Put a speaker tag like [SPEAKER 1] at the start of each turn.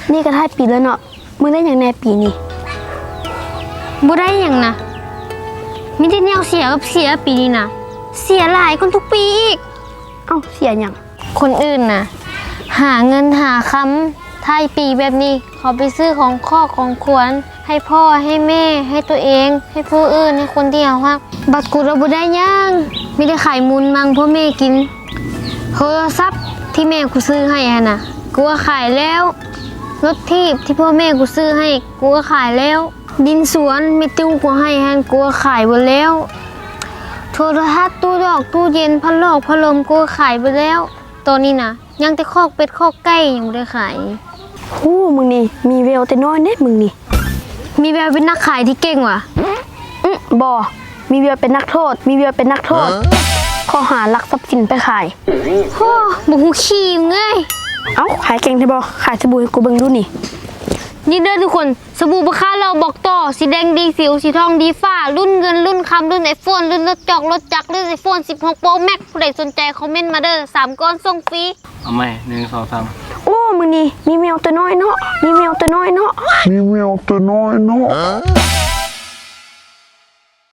[SPEAKER 1] นี่ก็ท้ายปีแล้วเนาะมึงได้อย่างแน่ปีนี้
[SPEAKER 2] บ่ได้หยังนะมีแต่แนวเสียกับเสียปีนี้นะเสียหลายคนทุกปีอีก
[SPEAKER 1] เอ้าเสียหยัง
[SPEAKER 2] คนอื่นน่ะหาเงินหาคำท้ายปีแบบนี้เขาไปซื้อของข้อของขวัญให้พ่อให้แม่ให้ตัวเองให้ผู้อื่นให้คนที่เขาฮักบัดกูเราบ่ได้หยังมีแต่ขายมูลมังพ่อแม่กินโทรศัพท์ที่แม่กูซื้อให้หั่นน่ะกูก็ขายแล้วรถทีบที่พ่อแม่กูซื้อให้กูก็ขายแล้วดินสวนไม่ติ้วกูให้หั่นกูก็ขายหมดแล้วโทรทัศน์ตู้ดอกตู้เย็นพัดลมพัดลมกูก็ขายไปแล้วตอนนี้นะยังแต่คอกเป็ดคอกไก่ยังไม่ได้ขาย
[SPEAKER 1] ฮู้มึงนี่มีแววแต่น้อยเด้มึงนี่
[SPEAKER 2] มีแววเป็นนักขายที่เก่งว่ะ
[SPEAKER 1] บ่มีแววเป็นนักโทษมีแววเป็นนักโทษข้อหาลักทรัพย์สินไปขาย
[SPEAKER 2] โอ้บุหูขี้มึงเอ้ย
[SPEAKER 1] เอ้าขายเก่งใช่บ่ขายสบู่ให้กูเบิ่งดูนี่
[SPEAKER 2] นี่เด้อทุกคนสบู่ราคาเราบอกต่อสีแดงดีสิวสีทองดีฟ้ารุ่นเงินรุ่นคำรุ่นไอโฟนรุ่นรถจอกรถจักรรุ่นไอโฟน16 Pro Max ผู้ใดสนใจคอมเมนต์มาเด้อ3 ก้อนส่งฟรี
[SPEAKER 3] เอาไหม1 2 3
[SPEAKER 1] โอ้มึงนี่มีแววแต่น้อยเนาะมีแววแต่น้อยเนาะ
[SPEAKER 4] มีแววแต่น้อยเนาะ